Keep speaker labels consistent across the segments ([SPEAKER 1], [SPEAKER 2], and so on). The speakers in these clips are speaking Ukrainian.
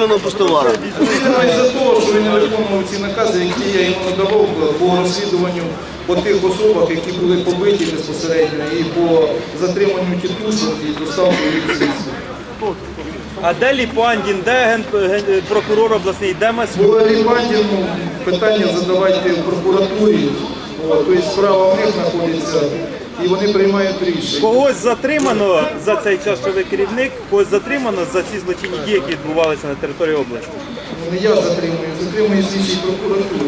[SPEAKER 1] підозрюваного пустовара?
[SPEAKER 2] Підозрюваний за те, що він не виконував ці накази, які я йому надавав по розслідуванню по тих особах, які були побиті безпосередньо, і по затриманню тітушок і доставку їх в слідство.
[SPEAKER 3] А де Ліпандін, де прокурор обласний, де Масюк?
[SPEAKER 2] По Ліпандіну питання задавайте в прокуратурі, тобто справа в них знаходиться, і вони приймають рішення.
[SPEAKER 3] Когось затримано за цей час, що ви керівник, когось затримано за ці злочинні дії, які відбувалися на території області?
[SPEAKER 2] Не я затримую слідчі прокуратури.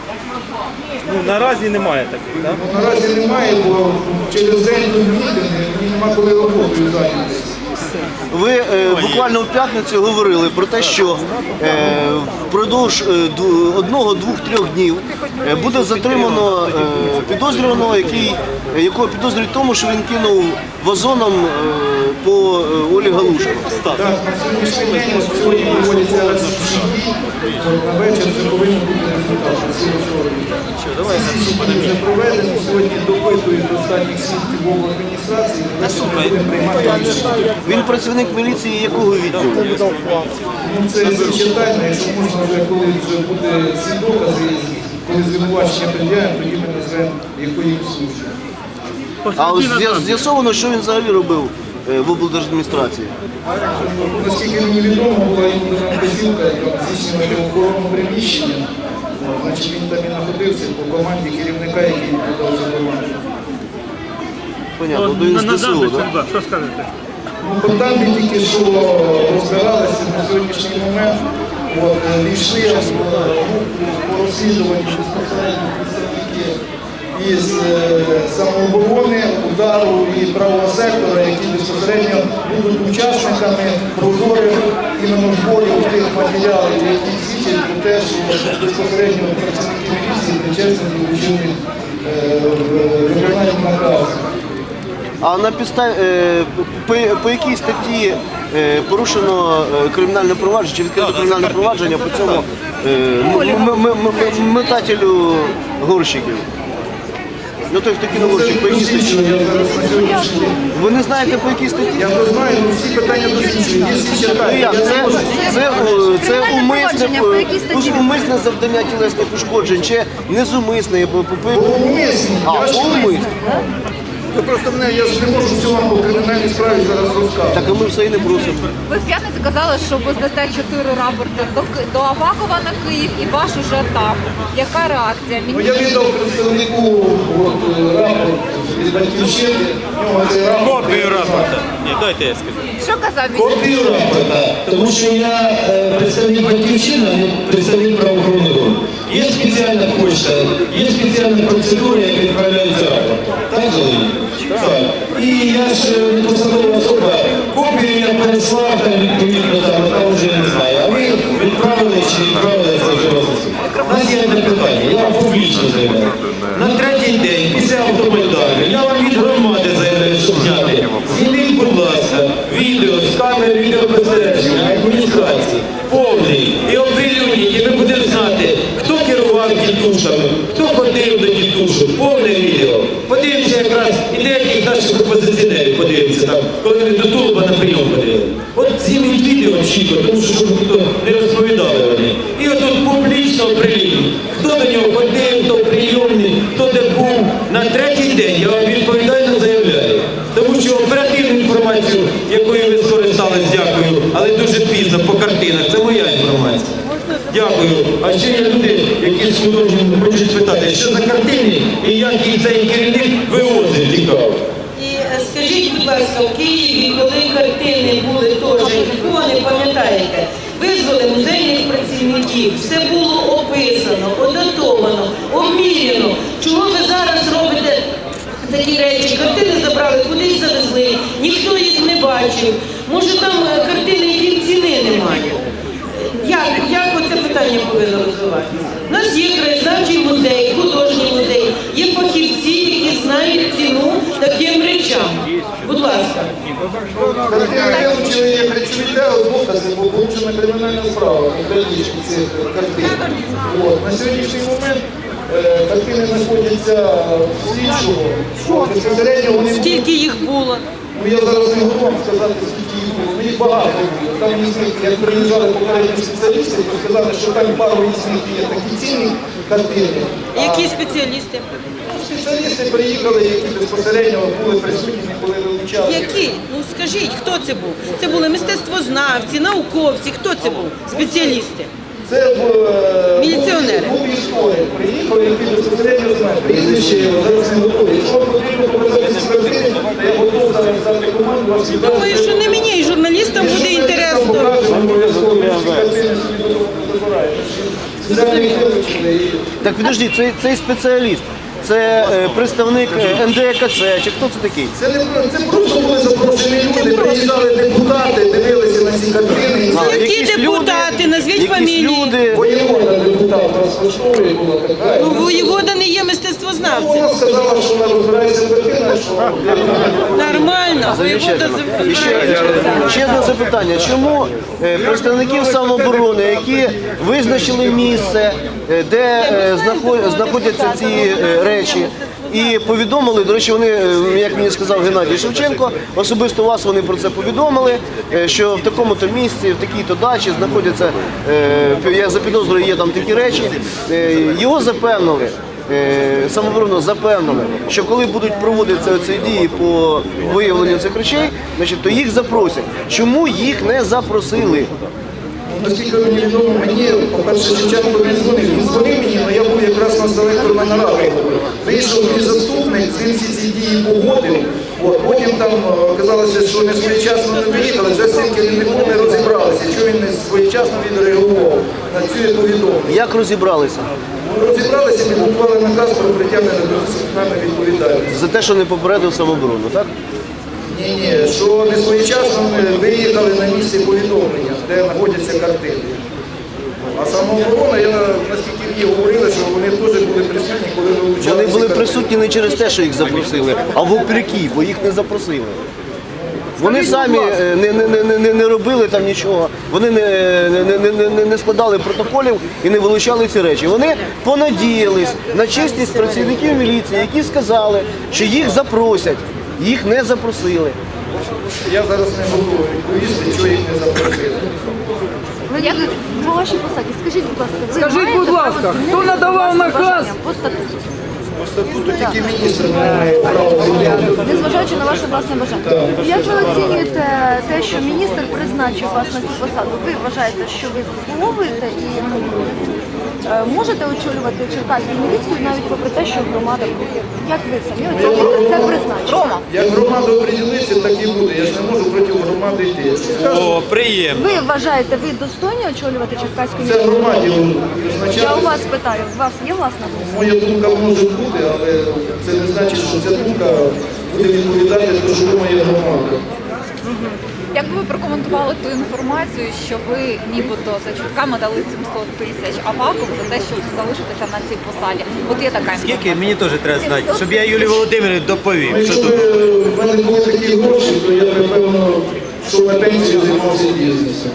[SPEAKER 3] Ну, наразі немає таких, так?
[SPEAKER 2] Ну, наразі немає, бо через день до мітинги мені нема коли роботою зайнятися.
[SPEAKER 1] Ви буквально в п'ятницю говорили про те, що впродовж 1, 2, 3 днів буде затримано підозрюваного, якого підозрюють в тому, що він кинув вазоном по Олі Галушко.
[SPEAKER 2] Так, на сьогоднішній день сьогодні проводяться розслідчі дії, на вечір вже повинні бути результати. Слідчі вже проведені, сьогодні допитують останніх свідків в адміністрації, будемо приймати рішення.
[SPEAKER 1] Він працівник міліції якого відділу?
[SPEAKER 2] Ну, це читання, якщо можна вже, коли вже буде всі докази, коли звинувачення пред'явимо, тоді ми назвемо якої служби.
[SPEAKER 1] А з'ясовано, що він взагалі робив в облдержадміністрації?
[SPEAKER 2] Наскільки мені відомо, була йому дана вказівка здійснювати охорону приміщення. Значить, він там і знаходився по команді керівника, який відповідав за команду.
[SPEAKER 1] Понятно, він з ДСУ, так?
[SPEAKER 3] Що скажете?
[SPEAKER 2] Ну, по там ми тільки що розбиралися на сьогоднішній момент. Війшли по розслідуванню безпосередньо представники із самооборони, удару і правого сектора, які безпосередньо будуть учасниками прозорих іменно зборів тих матеріалів, які свідчать про те, що безпосередньо працівники міліції нечесно долучили виконання наказу.
[SPEAKER 1] А на підставі, по якій статті порушено кримінальне провадження, чи відкрито кримінальне провадження по цьому метателю горщиків? Ну той, хто кинув горщик, по якій статті? Ви не знаєте, по якій статті?
[SPEAKER 2] Я не знаю, всі питання досліджені, є всі читають.
[SPEAKER 1] Це умисне завдання тілесних ушкоджень, чи незумисне?
[SPEAKER 2] Умисне.
[SPEAKER 1] Умисне.
[SPEAKER 2] Ви просто мене, я ж не можу всю вам по кримінальній справі зараз розказувати.
[SPEAKER 1] Так, а ми все і не просимо.
[SPEAKER 4] Ви в п'ятницю казали, що ви здасте 4 рапорти до Авакова на Київ і ваш уже там. Яка реакція?
[SPEAKER 2] Ну, я віддав представнику рапорт від Батьківщини.
[SPEAKER 3] Копію рапорта. Ні, дайте я скажу.
[SPEAKER 4] Що казав він?
[SPEAKER 5] Копію рапорта, тому що я представник Батьківщини, а не представник правоохоронних органів. Є спеціальна почта, є спеціальна процедура, яка відправляється рапорт. Так, Володимир? Так. І я ж не посадова особа, копію я переслав, там відповідно, там вже не знаю. А ви відправили чи відправили, це вже розумію. У нас є одне питання, я вам публічно заявляю. На третій день, після автомайдану, я вам від громади заявляю, щоб зняти. Зніміть, будь ласка, відео з камери відеоспостереження адміністрації, повний, і оприлюдніть, і ми будемо знати, хто керував тітушами, хто ходив до тітушок, повне відео. Подивимося якраз і деяких наших опозиціонерів, подивимося там, коли вони до Тулуба на прийом ходили. От зніміть відео чітко, тому що щоб ніхто не розповідали вони. І отут публічно оприлюдніть, хто до нього ходив, хто прийомний, хто де був. На третій день я вам відповідально заявляю. Тому що оперативну інформацію, якою ви скористались, дякую, але дуже пізно по картинах, це моя інформація. Дякую. А ще є люди, які з художником хочуть спитати, що за картини і як їх цей керівник вивозить, цікаво.
[SPEAKER 6] І скажіть, будь ласка, в Києві, коли картини були теж, нікого не пам'ятаєте, визвали музейних працівників, все було описано, податовано, обміряно. Чого ви зараз робите такі речі? Картини забрали, кудись завезли, ніхто їх не бачив. Може там картини, яким ціни немає? Як оце питання повинно розвиватися? У нас є краєзнавчий музей, художній музей, є фахівці, які знають ціну таким речам. Будь ласка.
[SPEAKER 2] Картини вилучили як речові докази, бо порушена кримінальна справа у перелічку цих картин. На сьогоднішній момент картини знаходяться в слідчого. Безпосередньо вони...
[SPEAKER 6] Скільки їх було?
[SPEAKER 2] Ну, я зараз не можу вам сказати, скільки їх було. Ми їх багато. Там як приїжджали попередні спеціалісти, то сказали, що там пару із них є такі цінні картини.
[SPEAKER 6] Які спеціалісти?
[SPEAKER 2] Спеціалісти приїхали, які безпосередньо були присутні, коли вивчали.
[SPEAKER 6] Які? Ну скажіть, хто це був? Це були мистецтвознавці, науковці. Хто це був? Спеціалісти.
[SPEAKER 2] Це
[SPEAKER 6] Міліціонери.
[SPEAKER 2] був історик, приїхав, який безпосередньо знає. Прізвище його зараз не готові. Якщо вам потрібно показати ці картини, то я готов зараз взяти команду, вас віддати.
[SPEAKER 6] Думаю, що не мені, і журналістам буде інтересно.
[SPEAKER 2] Покажемо, обов'язково ці картини собі добирають. Спеціальні вивчили і...
[SPEAKER 1] Так підожди, цей спеціаліст, це представник НДКЦ, чи хто це такий?
[SPEAKER 2] Це просто були запрошені люди, приїжджали депутати, дивилися на ці картини.
[SPEAKER 6] Які
[SPEAKER 1] Якісь
[SPEAKER 6] депутати?
[SPEAKER 1] люди,
[SPEAKER 6] Назвіть
[SPEAKER 1] якісь
[SPEAKER 6] фамілії.
[SPEAKER 1] люди.
[SPEAKER 2] Воєвода депутат розпочтовий була така.
[SPEAKER 6] Ну, воєвода не є мистецтвознавцем.
[SPEAKER 2] Вона сказала, що вона розбирається в картинах, що
[SPEAKER 6] Нормально. Воєвода
[SPEAKER 1] І ще одне запитання. Чому представників самооборони, які визначили місце, де знаходяться ці речі, і повідомили, до речі, вони, як мені сказав Геннадій Шевченко, особисто вас вони про це повідомили, що в такому-то місці, в такій-то дачі знаходяться, я запідозрюю, є там такі речі, його запевнили, самооборону запевнили, що коли будуть проводитися ці дії по виявленню цих речей, значить, то їх запросять. Чому їх не запросили?
[SPEAKER 2] наскільки мені відомо, мені, по-перше, Шевченко не дзвонив. Він дзвонив мені, але я був якраз на селекторна нарада. Вийшов мій заступник, з ним всі ці дії погодив. Потім там казалося, що не своєчасно не виїхали, вже стільки ніколи не розібралися, що він не своєчасно відреагував на цю повідомлення.
[SPEAKER 1] Як розібралися?
[SPEAKER 2] Розібралися і підготували наказ про притягнення до дисциплінарної відповідальності.
[SPEAKER 1] За те, що не попередив самооборону, так?
[SPEAKER 2] Ні, що не своєчасно виїхали на місце повідомлення, де знаходяться картини. А самооборона, наскільки мені говорили, що вони теж були присутні, коли вивчали.
[SPEAKER 1] Вони
[SPEAKER 2] ці
[SPEAKER 1] були
[SPEAKER 2] картини.
[SPEAKER 1] присутні не через те, що їх запросили, а вопреки, бо їх не запросили. Вони самі не робили там нічого, вони не складали протоколів і не вилучали ці речі. Вони понадіялись на чесність працівників міліції, які сказали, що їх запросять, їх не запросили.
[SPEAKER 2] Я зараз не готовий відповісти, чого їх не запросили.
[SPEAKER 7] Ви як по вашій посаді, скажіть, будь ласка, ви
[SPEAKER 8] Скажіть,
[SPEAKER 7] маєте
[SPEAKER 8] будь ласка,
[SPEAKER 7] право
[SPEAKER 8] хто
[SPEAKER 7] змінити
[SPEAKER 8] надавав
[SPEAKER 7] власне
[SPEAKER 8] наказ?
[SPEAKER 7] бажання по статуту?
[SPEAKER 2] По статуту тільки міністр не має права звільняти.
[SPEAKER 7] Незважаючи на ваше власне бажання. Як ви оцінюєте те, що міністр призначив вас на цю посаду? Ви вважаєте, що ви заслуговуєте і можете очолювати черкаську міліцію навіть попри те, що громада проти? Як ви самі оцінюєте це призначення?
[SPEAKER 2] Як громада оприділиться, так і буде. Я ж не можу проти громади йти.
[SPEAKER 9] О, приємно.
[SPEAKER 7] Ви вважаєте, ви достойні очолювати черкаську
[SPEAKER 2] Це
[SPEAKER 7] міліцію?
[SPEAKER 2] громаді
[SPEAKER 7] Я у
[SPEAKER 2] визначати.
[SPEAKER 7] вас питаю, у вас є власна думка?
[SPEAKER 2] Моя думка може бути, але це не значить, що ця думка буде відповідати те, що думає громада.
[SPEAKER 4] Як би ви прокоментували ту інформацію, що ви нібито за чутками дали 700 тисяч Авакову за те, щоб залишитися на цій посаді? От є така інформація.
[SPEAKER 9] Скільки? Мені теж треба знати, щоб я Юлії Володимирівні доповів. Що
[SPEAKER 2] Якщо
[SPEAKER 9] тут?
[SPEAKER 2] б в мене були такі гроші, то я б, напевно, що на пенсію займався бізнесом.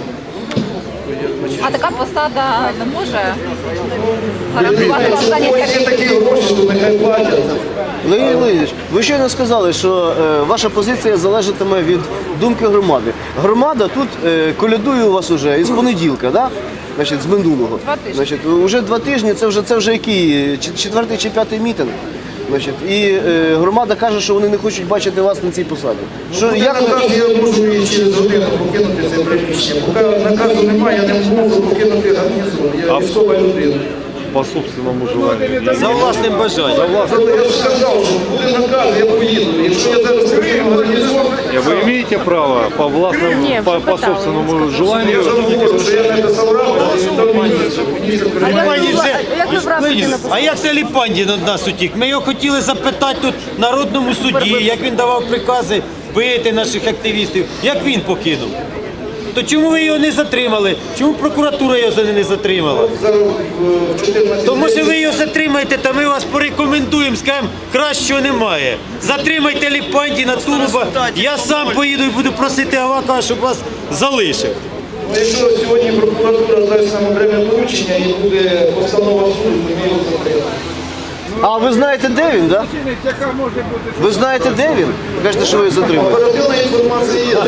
[SPEAKER 4] А така посада не може гарантувати
[SPEAKER 2] Якщо
[SPEAKER 4] вам
[SPEAKER 2] в когось є
[SPEAKER 4] заняття?
[SPEAKER 2] такі гроші, то нехай платять.
[SPEAKER 1] Леонід Леонідович, ви щойно сказали, що ваша позиція залежатиме від думки громади. Громада тут колядує у вас уже із понеділка, да? Значить, з минулого.
[SPEAKER 4] 2 тижні.
[SPEAKER 1] Значить, уже 2 тижні, це вже який? Четвертий чи п'ятий мітинг. Значить, і громада каже, що вони не хочуть бачити вас на цій посаді. Що, як ви...
[SPEAKER 2] Наказ я можу і через годину покинути це приміщення. Поки наказу немає, я не можу покинути гарнізон. Я військова людина.
[SPEAKER 10] По собственному желанию.
[SPEAKER 9] За власним бажанням.
[SPEAKER 2] Я ж сказав, що буде наказ, я поїду. Якщо я зараз покину гарнізон,
[SPEAKER 10] Вы имеете право по властному, по собственному желанию.
[SPEAKER 2] я ж говорю, що я не писав рапорт, і там міністр приймає.
[SPEAKER 7] Як ви вразите на
[SPEAKER 9] А як це Ліпандін від нас утік? Ми його хотіли запитати тут в Народному суді, як він давав прикази бити наших активістів. Як він покинув? То чому ви його не затримали? Чому прокуратура його не затримала?
[SPEAKER 2] Зараз в 14
[SPEAKER 9] То може ви його затримаєте, та ми вас порекомендуємо, скажемо, кращого немає. Затримайте Ліпандіна, Тулуба, я сам поїду і буду просити Авакова, щоб вас залишив.
[SPEAKER 2] Якщо сьогодні прокуратура дасть нам окреме доручення і буде постанова суду, ми його затримаємо.
[SPEAKER 1] А ви знаєте, де він, так? Ви знаєте, де він? Кажете, що ви затримали.
[SPEAKER 2] Оперативна інформація є.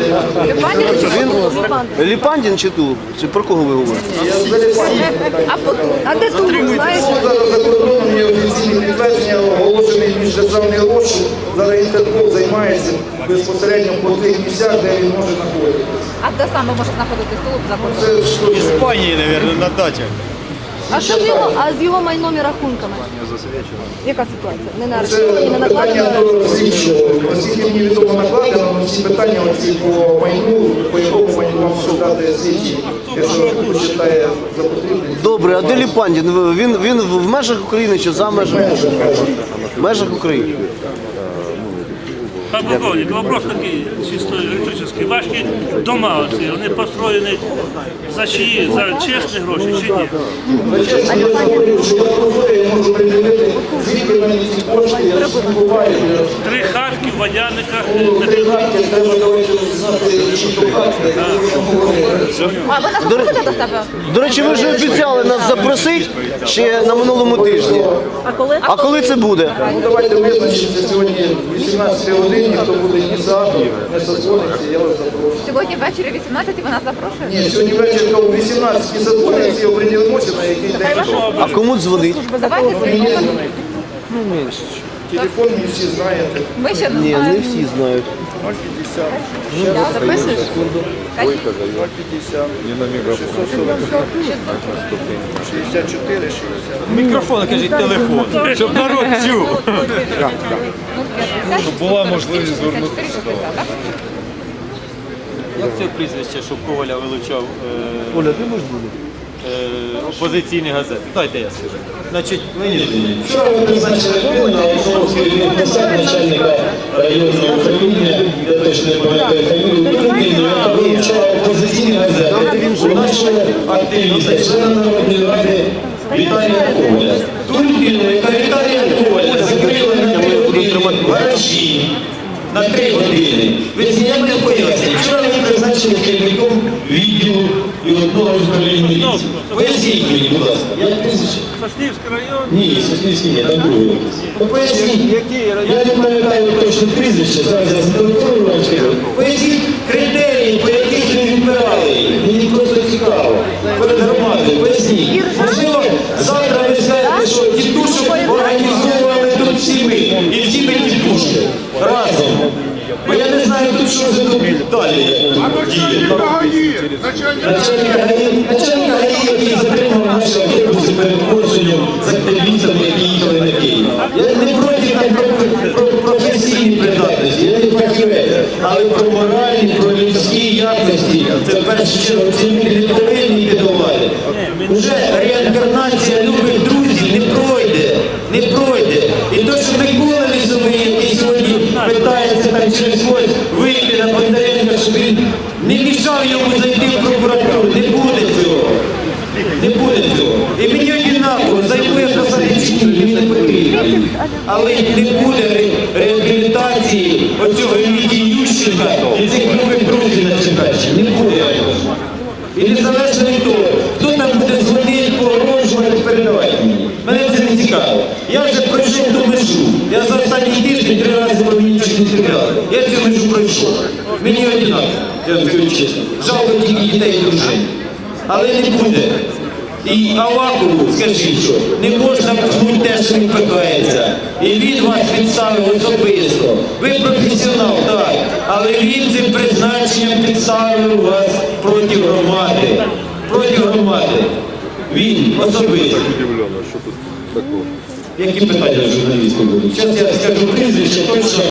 [SPEAKER 1] Він Ліпандін чи Тулуб? Чи про кого ви говорите?
[SPEAKER 7] А де тут, знаєш?
[SPEAKER 2] Зараз за кордоном є офіційні підтвердження, оголошений міждержавний розшук. Зараз Інтерпол займається безпосередньо по тих місцях, де він може знаходитися.
[SPEAKER 4] А де саме може знаходитись Тулуб за кордоном?
[SPEAKER 2] Це що?
[SPEAKER 9] Іспанії, мабуть, на дачах.
[SPEAKER 7] А що з його майном і рахунками? Яка ситуація? Не на арештовані, не
[SPEAKER 2] Це питання
[SPEAKER 7] накладено?
[SPEAKER 2] до слідчого. Наскільки мені відомо накладено, але всі питання оці по майну, по якому майну вам може дати слідчий, якщо вважає за потрібне.
[SPEAKER 1] Добре, а де Ліпандін? Він в межах України чи за межами? В межах України.
[SPEAKER 8] Пан полковник, вопрос такий чисто електричний. Ваші дома оці, вони построєні за чиї? За чесні гроші чи ні?
[SPEAKER 2] Чесно, я говорю, що я професор, я можу приділити, звідки мені ці кошти, я збуваю.
[SPEAKER 8] 3 хатки в Водяниках.
[SPEAKER 2] Три хатки, треба давайте знати, що то хатки.
[SPEAKER 4] А ви нас запросите до себе?
[SPEAKER 1] До речі, ви вже обіцяли нас запросити ще на минулому тижні. А коли це буде?
[SPEAKER 2] Ну давайте визначимося сьогодні 18 годині, хто буде ні за, не созвониться, я вас запрошую.
[SPEAKER 4] Сьогодні ввечері 18 ви нас запрошуєте?
[SPEAKER 2] Ні, сьогодні ввечері о 18 созвониться і оприділимося, на який день.
[SPEAKER 1] А кому дзвонить?
[SPEAKER 4] Давайте телефон.
[SPEAKER 2] Телефон мені всі знаєте.
[SPEAKER 4] Ми ще не
[SPEAKER 1] Ні, не
[SPEAKER 4] знаємо.
[SPEAKER 1] всі знають.
[SPEAKER 4] Записуєш?
[SPEAKER 2] 050,
[SPEAKER 10] Не на микрофон.
[SPEAKER 2] 64, 60.
[SPEAKER 9] Мікрофон, кажіть, телефон, щоб народ чув.
[SPEAKER 10] була можливість звернутися.
[SPEAKER 9] Як це прізвище, щоб Коваля вилучав
[SPEAKER 1] Оля, ти можеш бути?
[SPEAKER 9] опозиційні газети? Дайте я скажу. Значить, ви
[SPEAKER 5] Вчора ви призначили людину на Олександровський посаду начальника районного управління, я точно не пам'ятаю фамілію, ту людину, яка вилучала опозиційні газети, у нашого активіста, члена Народної ради Віталія Коваля. Ту людину, яка Віталія Коваля закрила на 3 години в гаражі, на 3 години. Ви я не пояснюю. Вчора ви призначили керівником відділу і одного з управління міліції. Поясніть мені, будь ласка. Як прізвище?
[SPEAKER 8] Соснівський район.
[SPEAKER 5] Ні, Соснівський ні, там другий якийсь. Поясніть, я не пам'ятаю точно прізвище, зараз я зателефоную вам скажу. Поясніть критерії, по яких ви відбирали її. Мені просто цікаво. Перед громадою, поясніть. Можливо, завтра ви скажете, що тітушок організовували тут всі ми. І всі ми тітушки. Разом. Бо я не знаю тут, що за тут далі діє. Начальник ГАІ, який затримав наші автобуси перед Корсунем з активістами, які їхали на Київ. Я не проти там про професійні придатності, я не фахівець, але про моральні, про людські якості, це в першу чергу ці люди не повинні йти до влади. Уже реінкарнація любих друзів не пройде, не пройде. І то, що Микола Лісовий, який сьогодні питається там через когось вийти на Бондаренка, щоб він не мішав йому зайти в прокуратуру, не буде цього. Не буде цього. І мені однаково, займу я посади чи ні, мені не потрібно. Але не буде реабілітації оцього Віті Ющенка і цих нових друзів на Черкащині. Не буде. І незалежно від того, хто там буде дзвонити, погрожувати, передавати мені. Мене це не цікаво. Я вже пройшов ту межу. Я за останній тиждень 3 рази по мені нічого не стріляли. Я цю межу пройшов. Мені однаково, я вам скажу чесно. Жалко тільки дітей і дружин. Але не буде. І Авакову, скажіть, що не можна пхнути те, що він пихається. І він вас підставив особисто. Ви професіонал, так, але він цим призначенням підставив вас проти громади. Проти громади. Він особисто.
[SPEAKER 10] Удивлено, що тут такого.
[SPEAKER 5] Які питання журналістів будуть? Зараз я скажу прізвище, точно.